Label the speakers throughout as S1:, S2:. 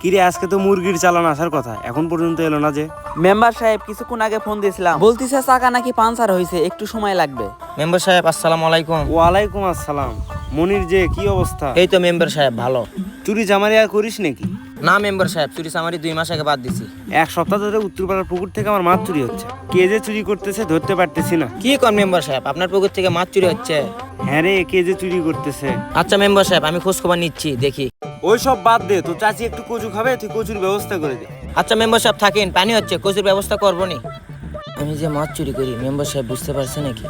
S1: কিরে আজকে তো মুরগির চালান আসার কথা, এখন পর্যন্ত এলো না যে?
S2: মেম্বার সাহেব কিছুক্ষণ আগে ফোন দিয়েছিলাম, বলতিছে চাকা নাকি পাঞ্চার হয়েছে, একটু সময় লাগবে।
S3: মেম্বার সাহেব আসসালামু আলাইকুম।
S1: ওয়ালাইকুম আসসালাম। মনির যে কি অবস্থা?
S3: এই তো মেম্বার সাহেব ভালো।
S1: চুরি চামারি আর করিস নাকি?
S3: না মেম্বার সাহেব, চুরি চামারি 2 মাস আগে বাদ দিছি।
S1: এক সপ্তাহ ধরে উত্তরপাড়ার পুকুর থেকে আমার মাছ চুরি হচ্ছে। কে যে চুরি করতেছে ধরতে পারতেছি না।
S3: কি কোন মেম্বার সাহেব, আপনার পুকুর থেকে মাছ চুরি হচ্ছে?
S1: হ্যাঁ রে, কে যে চুরি করতেছে।
S3: আচ্ছা মেম্বার সাহেব, আমি খোঁজ খবর নিচ্ছি, দেখি।
S1: ওই সব বাদ দে, তো চাচি একটু কচু খাবে, তুই কচুর ব্যবস্থা করে দে।
S3: আচ্ছা মেম্বার সাহেব থাকেন, পানি হচ্ছে, কচুর ব্যবস্থা করবো নি। আমি যে মাছ চুরি করি মেম্বার সাহেব বুঝতে পারছে নাকি?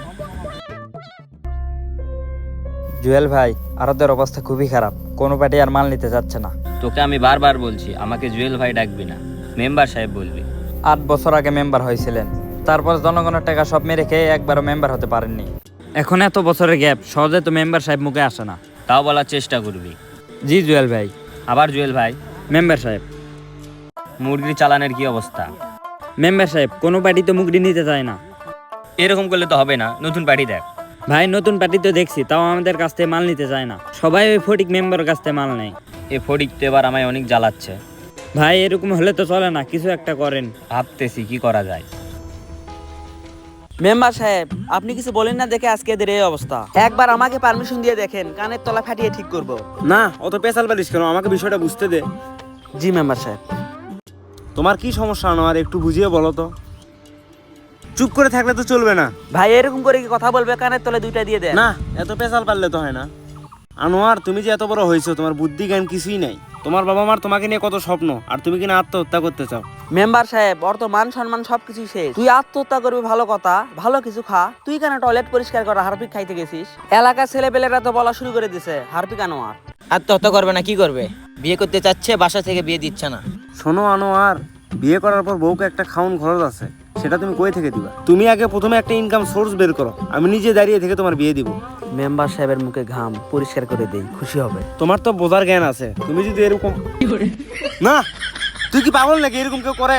S4: জুয়েল ভাই, আরদের অবস্থা খুবই খারাপ, কোনো পার্টি আর মাল নিতে যাচ্ছে না।
S5: তোকে আমি বারবার বলছি আমাকে জুয়েল ভাই ডাকবি না, মেম্বার সাহেব বলবি।
S4: 8 বছর আগে মেম্বার হয়েছিলেন, তারপর জনগণের টাকা সব মেরে খেয়ে একবারও মেম্বার হতে পারেননি। এখন এত বছরের গ্যাপ, সহজে তো মেম্বার সাহেব মুখে আসে না।
S5: তাও বলার চেষ্টা করবি।
S4: জি জুয়েল ভাই।
S5: আবার জুয়েল ভাই,
S4: মেম্বার সাহেব।
S5: মুরগির চালানের কি অবস্থা?
S4: মেম্বার সাহেব, কোনো পার্টি তো মুগড়ি নিতে চায় না।
S5: এরকম করলে তো হবে না, নতুন পার্টি দেখ।
S4: ভাই নতুন পার্টি তো দেখছি, তাও আমাদের কাছ থেকে মাল নিতে চায় না, সবাই ওই ফটিক মেম্বারের কাছ থেকে মাল নেয়।
S5: এ ফটিক তো এবার আমায় অনেক জ্বালাচ্ছে।
S4: ভাই এরকম হলে তো চলে না, কিছু একটা করেন।
S5: ভাবতেছি কি করা যায়।
S2: মেম্বার সাহেব আপনি কিছু বলেন না দেখে আজকে এদের এই অবস্থা। একবার আমাকে পারমিশন দিয়ে দেখেন, কানের তলা ফাটিয়ে ঠিক করব।
S1: না, অত পেশাল পারিস কেন, আমাকে বিষয়টা বুঝতে দে।
S2: জি মেম্বার সাহেব।
S1: তোমার কি সমস্যা আনোয়ার, একটু বুঝিয়ে বলো তো। চুপ করে থাকলে তো চলবে না।
S2: ভাই এরকম করে কি কথা বলবে, কানের তলে 2টা দিয়ে দেন।
S1: না, এত পেশাল পারলে তো হয় না। আনোয়ার, তুমি যে এত বড় হয়েছো, তোমার বুদ্ধি জ্ঞান কিছুই নাই। তোমার বাবা মার তোমাকে নিয়ে কত স্বপ্ন, আর তুমি কিনা আত্মহত্যা করতে চাও।
S2: মেম্বার সাহেব ওর তো মান সম্মান সবকিছু শেষ। তুই আত্মহত্যা করবি ভালো কথা, ভালো কিছু খা। তুই কেন টয়লেট পরিষ্কার করা হারপিক খাইতে গেছিস? এলাকার ছেলেপেলেরা তো বলা শুরু করে দিছে হারপিক আনোয়ার।
S3: আত্মহত্যা করবে না কি করবে? বিয়ে করতে চাচ্ছে, বাসা থেকে বিয়ে দিচ্ছে না।
S1: শোনো আনোয়ার, বিয়ে করার পর বউকে একটা খাওন খরচ আছে, সেটা তুমি কই থেকে দিবা? তুমি আগে প্রথমে একটা ইনকাম সোর্স বের করো, আমি নিজে দাঁড়িয়ে থেকে তোমার বিয়ে দিব।
S2: মেম্বার সাহেবের মুখে ঘাম পরিষ্কার করে দেই, খুশি হবে।
S1: তোমার তো বোঝার জ্ঞান আছে, তুমি যদি এরকম না, তুই কি পাগল নাকি? এরকম কেউ করে?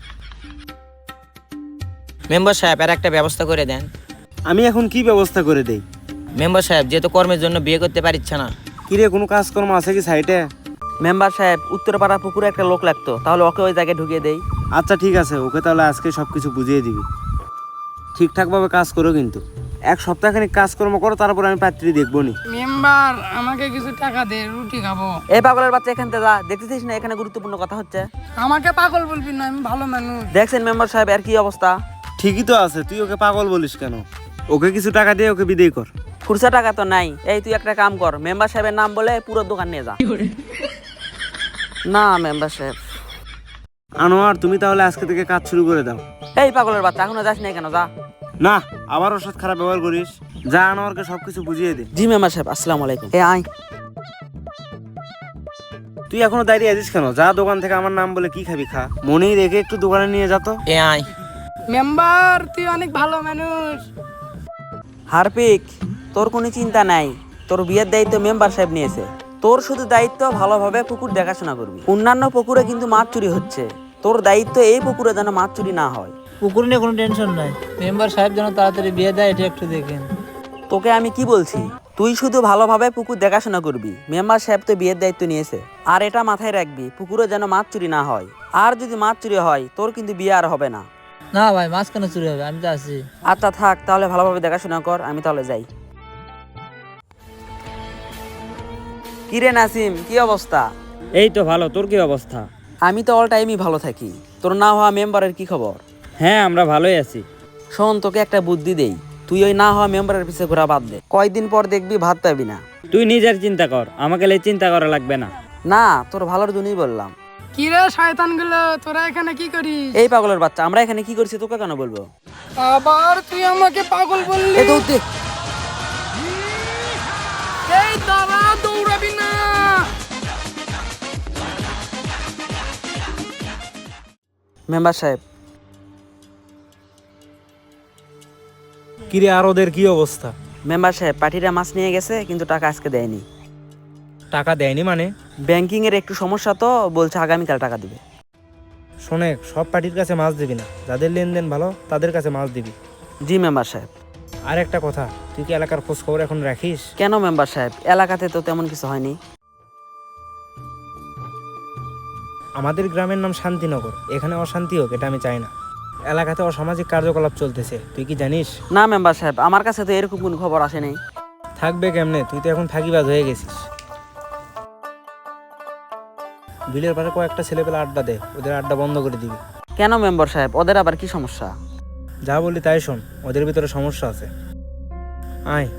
S3: মেম্বার সাহেব এর একটা ব্যবস্থা করে দেন।
S1: আমি এখন কি ব্যবস্থা করে দেই?
S3: মেম্বার সাহেব যেহেতু কর্মের জন্য বিয়ে করতে পারছে না।
S1: কিরে, কোনো কাজকর্ম আছে কি সাইটে?
S2: মেম্বার সাহেব উত্তরপাড়া পুকুরে একটা লোক লাগতো, তাহলে ওকে ওই জায়গায় ঢুকিয়ে দেই।
S1: আচ্ছা ঠিক আছে, ওকে তাহলে আজকে সবকিছু বুঝিয়ে দিবি। ঠিকঠাকভাবে কাজ করো কিন্তু, 1 সপ্তাহখানিক কাজকর্ম করো, তারপর আমি পাত্রী দেখবো নি।
S6: মেম্বার আমাকে কিছু টাকা দে, রুটি খাবো।
S2: এই পাগলের বাচ্চা এখান থেকে যা, দেখতেছিস না এখানে গুরুত্বপূর্ণ কথা হচ্ছে।
S6: আমাকে পাগল বলবি না, আমি ভালো মানুষ।
S2: দেখছেন মেম্বার সাহেব এর কি অবস্থা।
S1: ঠিকই তো আছে, তুই ওকে পাগল বলিস কেন? ওকে কিছু টাকা দিয়ে ওকে বিদায় কর।
S2: খুরসা টাকা তো নাই। এই তুই একটা কাম কর, মেম্বার সাহেবের নাম বলে পুরো দোকান নিয়ে যা। না মেম্বার সাহেব।
S1: আনোয়ার, তুমি তাহলে আজকে থেকে কাজ শুরু করে দাও।
S2: এই পাগলের বাচ্চা এখনো যাস না কেন, যা।
S1: না, আবার ওর সাথে খারাপ ব্যবহার করিস। যা, আনোয়ারকে সবকিছু বুঝিয়ে দে।
S2: জি মেম্বার সাহেব, আসসালামু আলাইকুম। এ আয়।
S1: তুই এখনো দাঁড়িয়ে আছিস কেন? যা, দোকান থেকে আমার নাম বলে কি খাবি খা, মনেই রেখে একটু দোকানে নিয়ে যা তো।
S3: এ আয়।
S6: মেম্বার তুই অনেক ভালো মানুষ।
S2: হারপিক, তোর কোনো চিন্তা নাই, তোর বিয়ের দায়িত্ব মেম্বার সাহেব নিয়েছে। তোর শুধু দায়িত্ব ভালোভাবে পুকুর দেখাশোনা করবি। অন্যান্য পুকুরে কিন্তু মাছ চুরি হচ্ছে, তোর দায়িত্ব এই পুকুরে যেন মাছ চুরি না হয়।
S7: পুকুর নিয়ে কোনো টেনশন নাই, মেম্বার সাহেব যেন তাড়াতাড়ি বিয়ে দেয় এটা একটু দেখেন।
S2: তোকে আমি কি বলছি, তুই শুধু ভালোভাবে পুকুর দেখাশোনা করবি। মেম্বার সাহেব তো বিয়ের দায়িত্ব নিয়েছে। আর এটা মাথায় রাখবি, পুকুরে যেন মাছ চুরি না হয়। আর যদি মাছ চুরি হয় তোর কিন্তু বিয়ে আর হবে না।
S7: না ভাই, মাছ কেন চুরি হবে, আমি তো আছি।
S2: আচ্ছা থাক, তাহলে ভালোভাবে দেখাশোনা কর, আমি তাহলে যাই। কিরে নাসিম, কি অবস্থা?
S4: এই তো ভালো, তোর কি অবস্থা?
S2: আমি তো অল টাইমই ভালো থাকি। তোর না হওয়া মেম্বারের কি খবর?
S4: হ্যাঁ আমরা ভালোই আছি।
S2: শোন, তোকে একটা বুদ্ধি দেই, তুই ওই না হওয়া মেম্বারের পিছে ঘোরা বাদ দে। কয়দিন পর দেখবি ভাত পাবি না।
S4: তুই নিজের চিন্তা কর, আমাকে চিন্তা করা লাগবে না।
S2: না, তোর ভালোর জন্যই বললাম।
S6: কি রে শয়তান গুলো, তোরা এখানে কি করিস?
S2: এই পাগলের বাচ্চা, আমরা এখানে কি করছি তোকে কেন বলবো?
S6: আবার তুই আমাকে পাগল বললি?
S2: এই দৌড় দে।
S6: এই দাঁড়া, দৌড়াবি না।
S2: মেম্বার সাহেব।
S1: কিরে, আর ওদের কি অবস্থা?
S2: মেম্বার সাহেব পার্টিরা মাছ নিয়ে গেছে, কিন্তু টাকা আজকে দেয়নি।
S1: টাকা দেয়নি মানে?
S2: ব্যাংকিং এর একটু সমস্যা তো, বলছে আগামীকাল টাকা দিবে।
S1: শোনে, সব পার্টির কাছে মাছ দিবি না, যাদের লেনদেন ভালো তাদের কাছে মাছ দিবি।
S2: জি মেম্বার সাহেব।
S1: আর একটা কথা, তুই কি এলাকার খোঁজ খবর এখন রাখিস?
S2: কেন মেম্বার সাহেব, এলাকাতে তো তেমন কিছু হয়নি।
S1: আমাদের গ্রামের নাম শান্তিনগর, এখানে অশান্তি হোক এটা আমি চাই না। এলাকাতে অসামাজিক কার্যকলাপ চলতেছে, তুই কি জানিস?
S2: না মেম্বার সাহেব, আমার কাছে তো এরকম কোনো খবর আসেনি।
S1: থাকবে কেমনে, তুই তো এখন ফাঁকিবাজ হয়ে গেছিস। বিলের পাশে কয়েকটা ছেলেপেলে আড্ডা দে, ওদের আড্ডা বন্ধ করে দিবি।
S2: কেন মেম্বার সাহেব, ওদের আবার কি সমস্যা?
S1: যা বলি তাই শোন, ওদের ভিতরে সমস্যা আছে। আয়।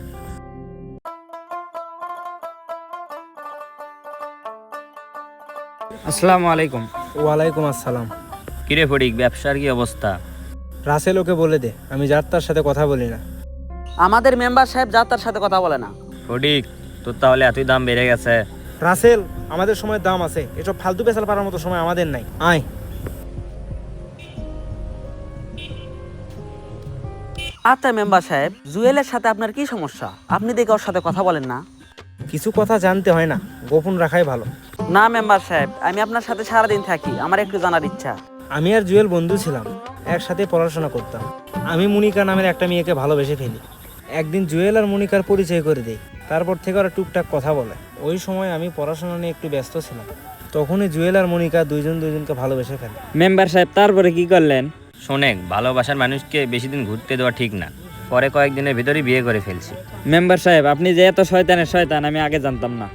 S4: আসসালামু আলাইকুম।
S1: ওয়ালাইকুম আসসালাম।
S5: কিরে ফটিক, ব্যবসার কি অবস্থা?
S1: রাসেল ওকে বলে দে আমি যার তার সাথে কথা বলি না।
S2: আমাদের মেম্বার সাহেব যা তার সাথে কথা বলে না।
S5: ফটিক, তোর তাহলে এতই দাম বেড়ে গেছে?
S1: রাসেল, আমাদের সময় দাম আছে, এসব ফালতু পেশাল পারার মতো সময় আমাদের নাই। আয়।
S2: আচ্ছা মেম্বার সাহেব, জুয়েলের সাথে আপনার কি সমস্যা? আপনি দেখে ওর সাথে কথা বলেন না।
S1: কিছু কথা জানতে হয় না, গোপন রাখাই ভালো।
S2: না মেম্বার সাহেব, আমি আপনার সাথে সারাদিন থাকি, আমার একটু জানার ইচ্ছা।
S1: আমি আর জুয়েল বন্ধু ছিলাম, একসাথে পড়াশোনা করতাম। আমি মনিকা নামের একটা মেয়েকে ভালোবেসে ফেলি। একদিন জুয়েল আর মনিকার পরিচয় করে দেই, তারপর থেকে ওরা টুকটাক কথা বলে। ওই সময় আমি পড়াশোনা নিয়ে একটু ব্যস্ত ছিলাম, তখনই জুয়েল আর মনিকা দুইজনকে ভালোবেসে ফেলে।
S4: মেম্বার সাহেব তারপরে কি করলেন?
S5: শোনেক, ভালোবাসার মানুষকে বেশি দিন ঘুরতে দেওয়া ঠিক না। পরে কয়েকদিনের ভিতরেই বিয়ে করে ফেলছি।
S4: মেম্বার সাহেব, আপনি যে এত শয়তানের শয়তান আমি আগে জানতাম না।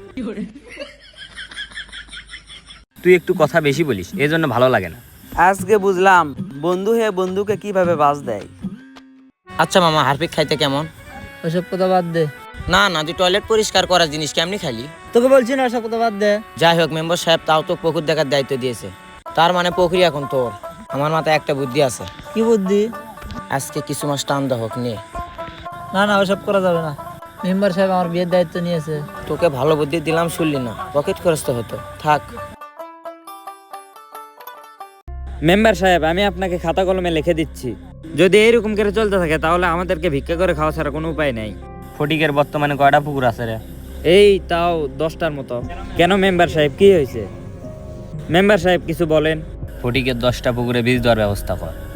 S5: তুই একটু কথা বেশি বলিস, এই জন্য ভালো লাগে না।
S2: আজকে বুঝলাম বন্ধু হয়ে বন্ধুকে কিভাবে বাজ দেয়।
S3: আচ্ছা মামা, হারপিক খাইতে কেমন?
S7: ওইসব কথা বাদ দে।
S3: না না, তুই টয়লেট পরিষ্কার করার জিনিস কেমনি খালি?
S7: তোকে বলছি না, ওসব কথা বাদ দে।
S3: যাই হোক, মেম্বার সাহেব তাও তো পুকুর দেখার দায়িত্ব দিয়েছে, তার মানে পুকুরি এখন তোর। আমার মাথায় একটা বুদ্ধি আছে।
S7: কি বুদ্ধি?
S3: আজকে কিছু মাস টান দা হোক নিয়ে।
S7: না না, ওসব করা যাবে না। মেম্বার সাহেব আমার বিয়ের দায়িত্ব নিয়েছে।
S3: তোকে ভালো বুদ্ধি দিলাম, শুনলি না, পকেট খরচ তো হতো। থাক।
S4: মেম্বার সাহেব, আমি আপনাকে খাতা কলমে লিখে দিচ্ছি, যদি এইরকম করে চলতে থাকে তাহলে আমাদেরকে ভিক্ষা করে খাওয়া ছাড়া কোনো উপায় নেই।
S5: ফটিকের বর্তমানে কয়টা পুকুর আছে রে?
S4: এই তাও 10টার মতো। কেন মেম্বার সাহেব, কি হয়েছে? মেম্বার সাহেব কিছু বলেন।
S5: ফটিকের 10টা পুকুরে বীজ দেওয়ার ব্যবস্থা কর।